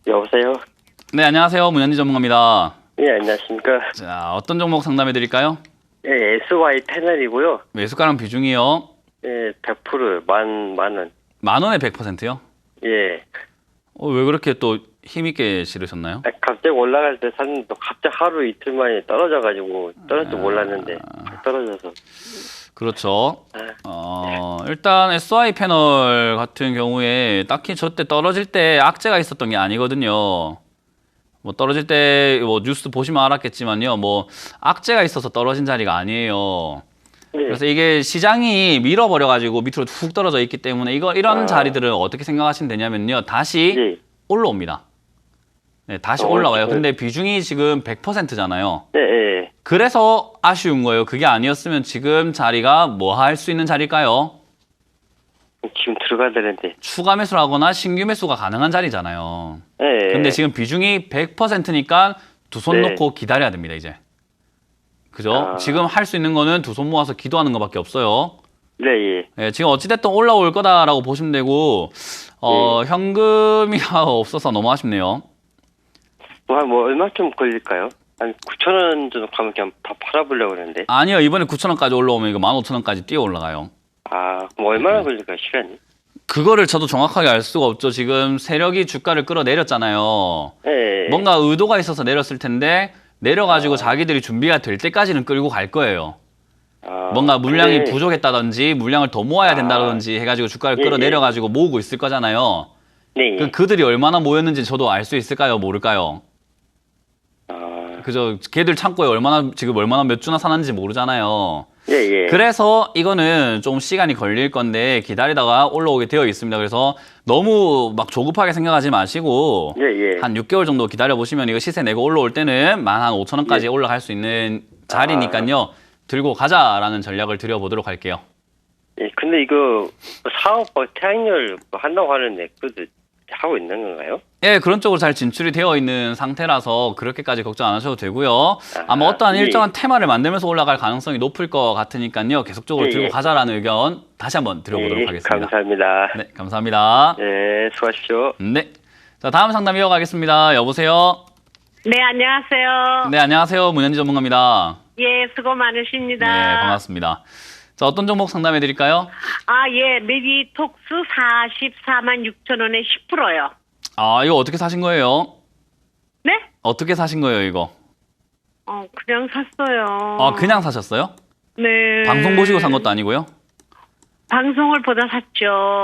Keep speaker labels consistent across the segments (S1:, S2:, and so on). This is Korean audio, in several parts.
S1: 여보세요?
S2: 네, 안녕하세요. 문현지 전문가입니다.
S1: 예, 안녕하십니까?
S2: 자, 어떤 종목 상담해 드릴까요?
S1: 예, SY 패널이고요.
S2: 매수가랑 비중이요.
S1: 예, 100% 만 원.
S2: 만 원에 100%요?
S1: 예.
S2: 왜 그렇게 또 힘있게 실으셨나요?
S1: 갑자기 올라갈 때 샀는데 갑자기 하루 이틀 만에 떨어져가지고 떨어질 줄 몰랐는데 떨어져서.
S2: 그렇죠. 일단 SY 패널 같은 경우에 딱히 저때 떨어질 때 악재가 있었던 게 아니거든요. 뭐 떨어질 때 뭐 뉴스 보시면 알았겠지만요. 뭐 악재가 있어서 떨어진 자리가 아니에요.
S1: 예.
S2: 그래서 이게 시장이 밀어버려가지고 밑으로 훅 떨어져 있기 때문에 이런 자리들은 어떻게 생각하시면 되냐면요. 다시
S1: 예.
S2: 올라옵니다. 네, 다시 올라와요. 근데 비중이 지금 100%잖아요.
S1: 예, 예.
S2: 그래서 아쉬운 거예요. 그게 아니었으면 지금 자리가 뭐 할 수 있는 자리일까요?
S1: 지금 들어가야 되는데.
S2: 추가 매수를 하거나 신규 매수가 가능한 자리잖아요.
S1: 예.
S2: 근데 지금 비중이 100%니까 두 손
S1: 네.
S2: 놓고 기다려야 됩니다, 이제. 그죠? 지금 할 수 있는 거는 두 손 모아서 기도하는 것밖에 없어요.
S1: 네, 예.
S2: 예, 지금 어찌됐든 올라올 거다라고 보시면 되고, 현금이 없어서 너무 아쉽네요.
S1: 뭐 얼마쯤 걸릴까요? 한 9,000원 정도 가면 그냥 다 팔아보려고 그러는데.
S2: 아니요, 이번에 9,000원까지 올라오면 이거 15,000원까지 뛰어 올라가요.
S1: 그럼 얼마나 걸릴까요, 시간이?
S2: 그거를 저도 정확하게 알 수가 없죠. 지금 세력이 주가를 끌어내렸잖아요.
S1: 예.
S2: 뭔가 의도가 있어서 내렸을 텐데, 내려가지고 자기들이 준비가 될 때까지는 끌고 갈 거예요. 뭔가 물량이
S1: 근데-
S2: 부족했다든지, 물량을 더 모아야 된다든지 해가지고 주가를
S1: 예,
S2: 끌어내려가지고 모으고 있을 거잖아요.
S1: 네, 예.
S2: 그들이 얼마나 모였는지 저도 알 수 있을까요? 모를까요? 그죠? 걔들 창고에 지금 얼마나 몇 주나 사는지 모르잖아요.
S1: 예, 예.
S2: 그래서 이거는 좀 시간이 걸릴 건데 기다리다가 올라오게 되어 있습니다. 그래서 너무 막 조급하게 생각하지 마시고
S1: 예, 예.
S2: 한 6개월 정도 기다려보시면 이거 시세 내고 올라올 때는 15,000원까지
S1: 예.
S2: 올라갈 수 있는 자리니까요. 들고 가자라는 전략을 드려보도록 할게요.
S1: 예, 근데 이거 사업 태양열 한다고 하는데 그것도 하고 있는 건가요?
S2: 예, 그런 쪽으로 잘 진출이 되어 있는 상태라서 그렇게까지 걱정 안 하셔도 되고요. 아마 어떠한
S1: 예.
S2: 일정한 테마를 만들면서 올라갈 가능성이 높을 것 같으니까요. 계속적으로
S1: 예,
S2: 들고
S1: 예.
S2: 가자라는 의견 다시 한번 드려보도록
S1: 예,
S2: 하겠습니다.
S1: 감사합니다.
S2: 네, 감사합니다.
S1: 예, 수고하십시오.
S2: 네. 자, 다음 상담 이어가겠습니다. 여보세요?
S3: 네, 안녕하세요.
S2: 네, 안녕하세요. 문현지 전문가입니다.
S3: 예, 수고 많으십니다.
S2: 네, 반갑습니다. 자, 어떤 종목 상담해 드릴까요?
S3: 예, 메디톡스 44만 6천 원에 10%요.
S2: 이거 어떻게 사신 거예요?
S3: 네?
S2: 어떻게 사신 거예요, 이거?
S3: 그냥 샀어요.
S2: 그냥 사셨어요?
S3: 네.
S2: 방송 보시고 산 것도 아니고요?
S3: 방송을 보다 샀죠.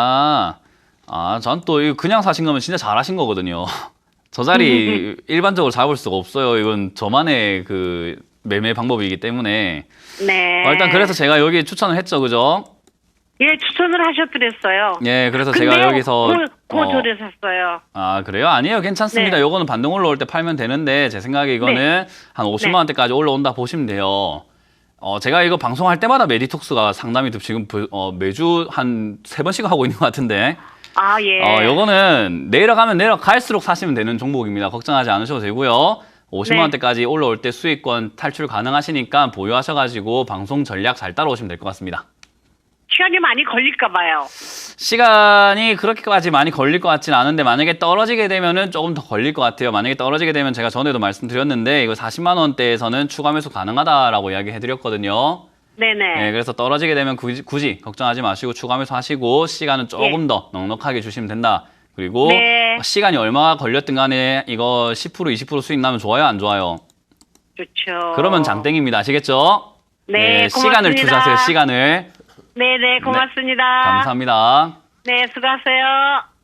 S2: 전 또 이거 그냥 사신 거면 진짜 잘하신 거거든요. 저 자리 일반적으로 잡을 수가 없어요. 이건 저만의 그 매매 방법이기 때문에.
S3: 네.
S2: 일단 그래서 제가 여기 추천을 했죠, 그죠?
S3: 예, 추천을 하셨더랬어요.
S2: 예, 그래서 제가 여기서
S3: 고조를 샀어요.
S2: 그래요? 아니에요. 괜찮습니다.
S3: 네.
S2: 요거는 반등 올라올 때 팔면 되는데 제 생각에 이거는 한 50만 원대까지 올라온다 보시면 돼요. 제가 이거 방송할 때마다 메디톡스가 상담이 지금 매주 한 3번씩 하고 있는 것 같은데.
S3: 예.
S2: 요거는 내려가면 내려갈수록 사시면 되는 종목입니다. 걱정하지 않으셔도 되고요. 50만
S3: 네.
S2: 원대까지 올라올 때 수익권 탈출 가능하시니까 보유하셔가지고 방송 전략 잘 따라오시면 될 것 같습니다.
S3: 시간이 많이 걸릴까 봐요.
S2: 시간이 그렇게까지 많이 걸릴 것 같지는 않은데 만약에 떨어지게 되면은 조금 더 걸릴 것 같아요. 만약에 떨어지게 되면 제가 전에도 말씀드렸는데 이거 40만 원대에서는 추가 매수 가능하다라고 이야기해드렸거든요.
S3: 네네.
S2: 네, 그래서 떨어지게 되면 굳이 걱정하지 마시고 추가 매수 하시고 시간은 조금 더 넉넉하게 주시면 된다. 그리고
S3: 네.
S2: 시간이 얼마나 걸렸든 간에 이거 10% 20% 수익 나면 좋아요, 안 좋아요?
S3: 좋죠.
S2: 그러면 장땡입니다. 아시겠죠?
S3: 네,
S2: 시간을
S3: 고맙습니다.
S2: 투자하세요, 시간을.
S3: 네네, 고맙습니다.
S2: 감사합니다.
S3: 네, 수고하세요.